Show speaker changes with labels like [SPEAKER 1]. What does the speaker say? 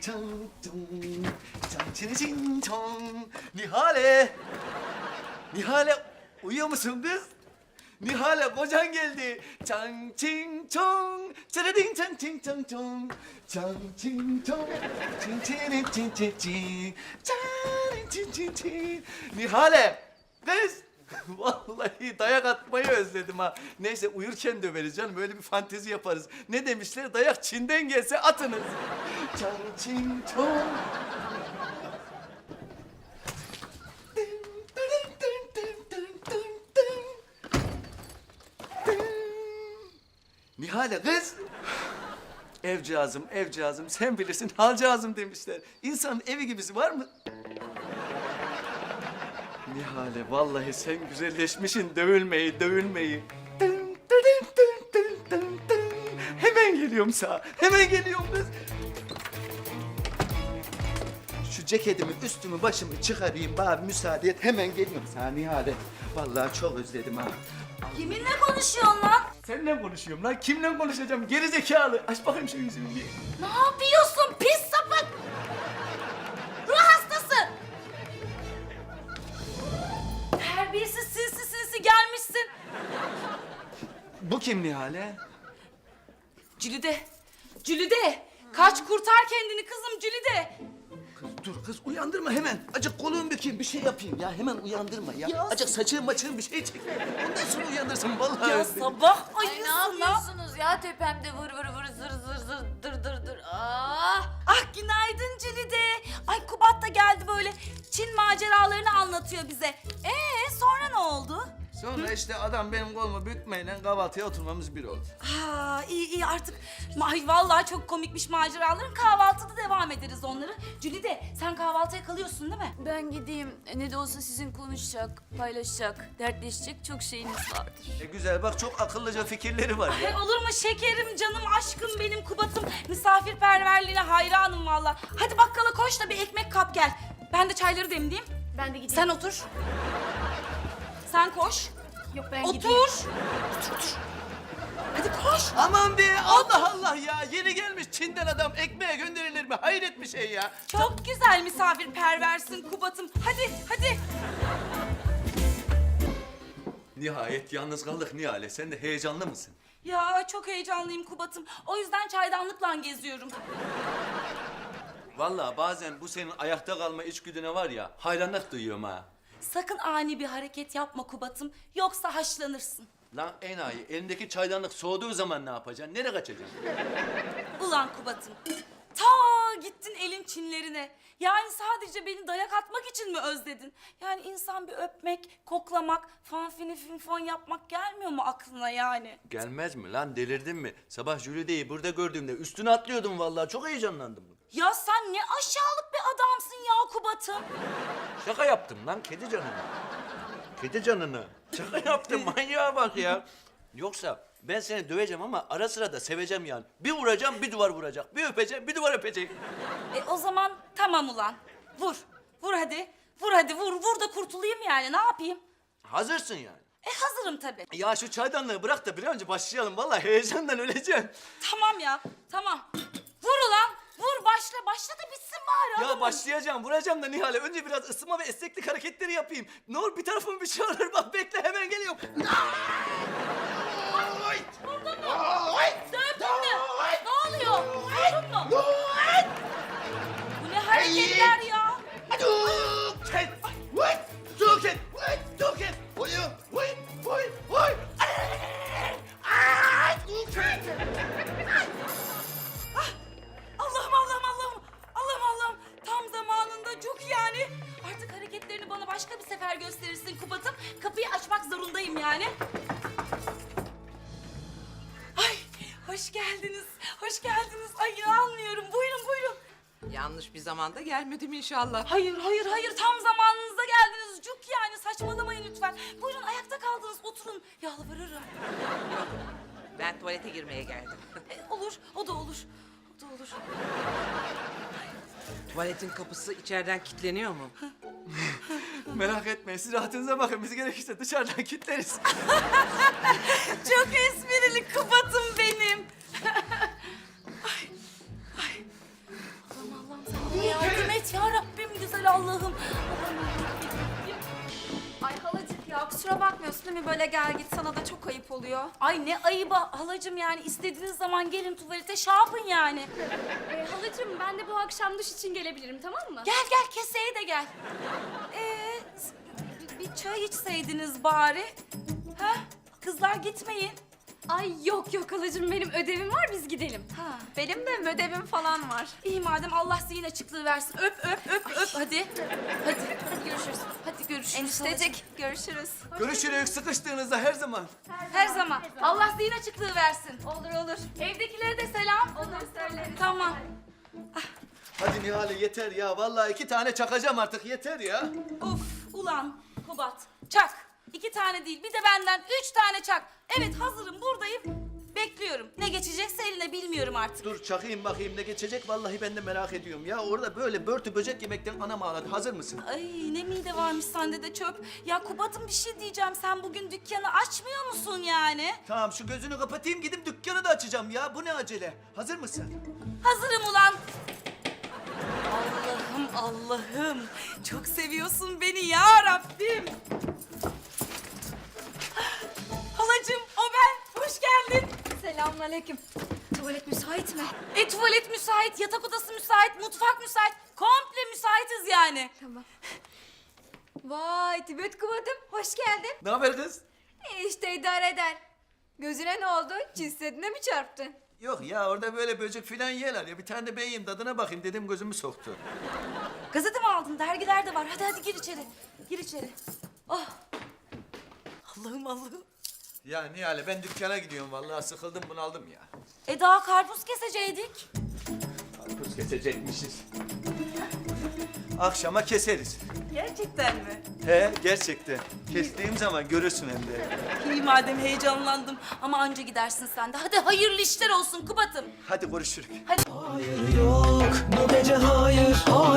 [SPEAKER 1] çang çong, çang çini çin çong. Nihale! Nihale uyuyor musun kız? Nihale kocan geldi. Çang çing çong, çırıding çang çing çang çong. Çang çing çong, çing çini çin çin çin. Çang çin çin çin. Nihale! Kız! Vallahi dayak atmayı özledim ha. Neyse uyurken döveriz canım. Böyle bir fantezi yaparız. Ne demişler? Dayak Çin'den gelse atınız. Çang çing çong. Nihale kız. Evcağızım, evcağızım. Sen bilirsin halcağızım demişler. İnsanın evi gibisi var mı? Nihale vallahi sen güzelleşmişsin dövülmeyi, dövülmeyi. Dın, dın, dın, dın, dın, dın. Hemen geliyorum sağa, hemen geliyorum kız. Şu ceketimi, üstümü, başımı çıkarayım. Bana müsaade et, hemen geliyorum sana Nihale. Vallahi çok özledim ha.
[SPEAKER 2] Kiminle konuşuyorsun lan?
[SPEAKER 1] Seninle konuşuyorum lan. Kimle konuşacağım? Geri zekalı. Aç bakayım şu yüzümü bir.
[SPEAKER 2] Ne yapıyorsun pis sapık? Ruh hastası. Terbiyesiz sinsi gelmişsin.
[SPEAKER 1] Bu kim Nihale?
[SPEAKER 2] Cülide. Cülide. Kaç kurtar kendini kızım Cülide.
[SPEAKER 1] Kız dur kız uyandırma hemen. Acık kolumu bükeyim bir şey yapayım ya. Hemen uyandırma ya. Acık saçığım maçığım bir şey çek. Ondan sonra uyandırsın vallahi.
[SPEAKER 2] Ya
[SPEAKER 1] özledim.
[SPEAKER 2] sabah
[SPEAKER 3] Ay
[SPEAKER 2] ayısın
[SPEAKER 3] ne
[SPEAKER 2] lan.
[SPEAKER 3] yapıyorsunuz ya tepemde vır vır vır zır zır zır dır dır dır. Ah!
[SPEAKER 2] Ah günaydın Cülide. Ay Kubat da geldi böyle Çin maceralarını anlatıyor bize. Sonra ne oldu?
[SPEAKER 1] Sonra işte adam benim kolumu bükmeyle kahvaltıya oturmamız bir oldu.
[SPEAKER 2] Ha iyi artık. Ay vallahi çok komikmiş maceraların. Kahvaltıda devam ederiz onları. Cülide sen kahvaltıya kalıyorsun değil mi?
[SPEAKER 3] Ben gideyim. Ne de olsa sizin konuşacak, paylaşacak, dertleşecek çok şeyiniz vardır.
[SPEAKER 1] Güzel bak çok akıllıca fikirleri var ya.
[SPEAKER 2] Ay olur mu şekerim, canım, aşkım benim Kubat'ım. Misafirperverliğine hayranım vallahi. Hadi bakkala koş da bir ekmek kap gel. Ben de çayları demleyeyim.
[SPEAKER 3] Ben de gideyim.
[SPEAKER 2] Sen otur. Sen koş.
[SPEAKER 3] Yok ben
[SPEAKER 2] Otur.
[SPEAKER 3] gideyim.
[SPEAKER 2] Otur. Hadi koş.
[SPEAKER 1] Aman be Allah Allah ya. Yeni gelmiş Çin'den adam ekmeğe gönderilir mi? Hayret bir şey ya.
[SPEAKER 2] Çok güzel misafirperversin Kubat'ım. Hadi.
[SPEAKER 1] Nihayet yalnız kaldık Nihale. Sen de heyecanlı mısın?
[SPEAKER 2] Ya çok heyecanlıyım Kubat'ım. O yüzden çaydanlıkla geziyorum.
[SPEAKER 1] Vallahi bazen bu senin ayakta kalma içgüdüne var ya hayranlık duyuyorum ha.
[SPEAKER 2] Sakın ani bir hareket yapma Kubat'ım. Yoksa haşlanırsın.
[SPEAKER 1] Lan enayi elindeki çaydanlık soğuduğu zaman ne yapacaksın? Nereye kaçacaksın?
[SPEAKER 2] Ulan Kubat'ım. Ta gittin elin Çinlerine. Yani sadece beni dayak atmak için mi özledin? Yani insan bir öpmek, koklamak, fanfini finfon yapmak gelmiyor mu aklına yani?
[SPEAKER 1] Gelmez mi lan delirdin mi? Sabah Jülide'yi burada gördüğümde üstüne atlıyordum vallahi çok heyecanlandım.
[SPEAKER 2] Ya sen ne aşağılık bir adamsın ya Kubat'ım.
[SPEAKER 1] Şaka yaptım lan kedi canına. Kedi canına. Şaka yaptım manyağa bak ya. Yoksa ben seni döveceğim ama ara sıra da seveceğim yani. Bir vuracağım bir duvar vuracak. Bir öpeceğim bir duvar öpecek.
[SPEAKER 2] O zaman tamam ulan. Vur. Vur hadi. Vur hadi vur. Vur da kurtulayım yani. Ne yapayım?
[SPEAKER 1] Hazırsın yani.
[SPEAKER 2] Hazırım tabii.
[SPEAKER 1] Ya şu çaydanlığı bırak da bir an önce başlayalım. Vallahi heyecandan öleceğim.
[SPEAKER 2] Tamam ya. Tamam. Vur ulan. Vur başla. Başla da bitsin bari.
[SPEAKER 1] Ya
[SPEAKER 2] adamım.
[SPEAKER 1] başlayacağım, vuracağım da Nihale. Önce biraz ısınma ve esneklik hareketleri yapayım. Ne olur bir tarafım bir şey olur. Bak bekle hemen geliyorum.
[SPEAKER 2] Vurdun mu? Dövdün mü? Ne oluyor? Vurdun mu? Bu ne hareketler ya? Allah'ım. Tam zamanında çok yani. Artık hareketlerini bana başka bir sefer gösterirsin Kubat'ım. Kapıyı açmak zorundayım yani. Ay hoş geldiniz. Ay inanmıyorum. Buyurun.
[SPEAKER 4] Yanlış bir zamanda gelmedim inşallah.
[SPEAKER 2] Hayır. Tam zamanınızda geldiniz. Cuk yani saçmalamayın lütfen. Buyurun ayakta kaldınız. Oturun. Yalvarırım.
[SPEAKER 4] Ben tuvalete girmeye geldim.
[SPEAKER 2] Olur. O da olur.
[SPEAKER 4] Tuvaletin kapısı içeriden kilitleniyor mu?
[SPEAKER 1] Merak etmeyin, siz rahatınıza bakın. Biz gerekirse dışarıdan kilitleriz.
[SPEAKER 2] Çok esprili Kubat'ım benim. Ay. Allah'ım şöyle Allah'ım.
[SPEAKER 5] Ay halacık ya kusura bakmıyorsun değil mi? Böyle gel git sana da çok ayıp oluyor.
[SPEAKER 2] Ay ne ayıba halacığım yani istediğiniz zaman gelin tuvalete şey yapın yani.
[SPEAKER 5] Halacığım ben de bu akşam duş için gelebilirim tamam mı?
[SPEAKER 2] Gel gel keseye de gel. Bir çay içseydiniz bari. Ha? Kızlar gitmeyin.
[SPEAKER 5] Ay yok yok halacığım benim ödevim var biz gidelim.
[SPEAKER 2] Ha.
[SPEAKER 5] Benim de ödevim falan var.
[SPEAKER 2] İyi madem Allah zihin açıklığı versin. Öp öp öp öp hadi. Hadi.
[SPEAKER 5] Hadi görüşürüz.
[SPEAKER 2] Hadi görüşürüz.
[SPEAKER 5] Eniştecik görüşürüz.
[SPEAKER 1] Görüşürüz sıkıştığınızda her zaman.
[SPEAKER 2] Her zaman. Allah zihin açıklığı versin.
[SPEAKER 5] Olur olur.
[SPEAKER 2] Evdekilere de selam.
[SPEAKER 5] Olur söyleriz.
[SPEAKER 2] Tamam.
[SPEAKER 1] Hadi Nihale yeter ya. Vallahi 2 tane çakacağım artık yeter ya.
[SPEAKER 2] Uf ulan Kubat. Çak. 2 tane değil bir de benden 3 tane çak. Evet hazırım buradayım. Bekliyorum. Ne geçecekse eline bilmiyorum artık.
[SPEAKER 1] Dur çakayım bakayım ne geçecek. Vallahi ben de merak ediyorum. Ya orada böyle börtü böcek yemekten anam ağladı. Hazır mısın?
[SPEAKER 2] Ay ne mide varmış sende de çöp. Ya Kubat'ım bir şey diyeceğim. Sen bugün dükkanı açmıyor musun yani?
[SPEAKER 1] Tamam şu gözünü kapatayım gidip dükkanı da açacağım ya. Bu ne acele? Hazır mısın?
[SPEAKER 2] Hazırım ulan. Allah'ım Allah'ım. Çok seviyorsun beni ya Rabbim. Halacığım o ben. Hoş geldin.
[SPEAKER 5] Selamünaleyküm. Tuvalet müsait mi?
[SPEAKER 2] Tuvalet müsait, yatak odası müsait, mutfak müsait. Komple müsaitiz yani.
[SPEAKER 5] Tamam. Vay Tibet Kubat'ım hoş geldin.
[SPEAKER 1] Ne haber kız?
[SPEAKER 5] İşte idare eder. Gözüne ne oldu? Cinsiyetine mi çarptın?
[SPEAKER 1] Yok ya orada böyle böcek filan yerler ya. Bir tane de ben yiyeyim tadına bakayım dedim gözümü soktu.
[SPEAKER 2] Gazete mi aldın? Dergiler de var. Hadi hadi gir içeri. Gir içeri. Oh. Allah'ım Allah'ım.
[SPEAKER 1] Ya Nihale ben dükkana gidiyorum vallahi sıkıldım bunaldım ya.
[SPEAKER 2] Daha karpuz keseceydik.
[SPEAKER 1] Karpuz kesecekmişiz. Akşama keseriz.
[SPEAKER 2] Gerçekten mi?
[SPEAKER 1] He gerçekten. Kestiğim zaman görürsün hem de.
[SPEAKER 2] İyi madem heyecanlandım. Ama anca gidersin sen de. Hadi hayırlı işler olsun Kubat'ım.
[SPEAKER 1] Hadi görüşürük.
[SPEAKER 2] Hadi.
[SPEAKER 6] Hayır yok bu gece hayır, hayır.